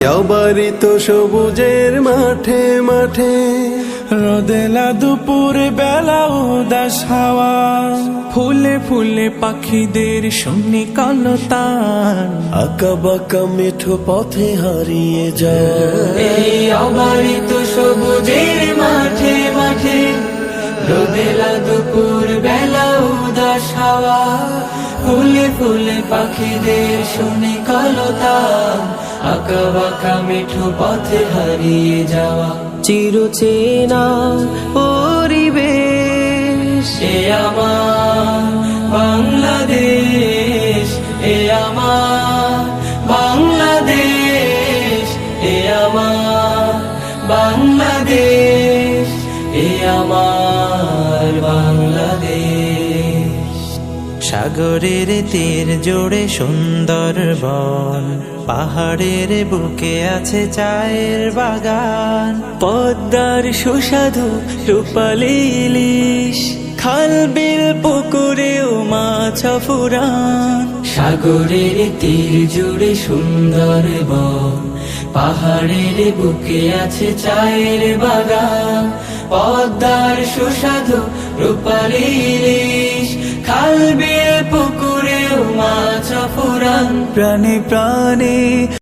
বাড়ি তো সবুজের মাঠে মাঠে, রোদেলা দুপুর বেলা উদাস হাওয়া, ফুলে ফুলে পাখিদের শুনি কলতান, আঁকা বাঁকা মেঠো পথে হারিয়ে যায়। এই অবারিত সবুজের মাঠে মাঠে, রোদেলা দুপুর বেলা উদাস হাওয়া, ফুলে ফুলে পাখিদের শুনি কলতান, আঁকা বাঁকা মেঠো পথে হারিয়ে যাওয়া। চিরচেনা পরিবেশ, এ আমার বাংলাদেশ, এ আমার বাংলাদেশ, এ আমার বাংলাদেশ, এ আমার বাংলাদেশ। সাগরের তীর জোড়ে সুন্দর বন, পাহাড়ের বুকে আছে চায়ের বাগান, পদ্মার সুস্বাদু রূপালী ইলিশ, খাল বিল পুকুরেও মাছ ফুরান। সাগরের তীর জুড়ে সুন্দর বন, পাহাড়ের বুকে আছে চায়ের বাগান, পদ্মার সুস্বাদু রূপালী ইলিশ, খাল বিল পুকুরেও মাছ ফুরান। প্রাণে প্রাণে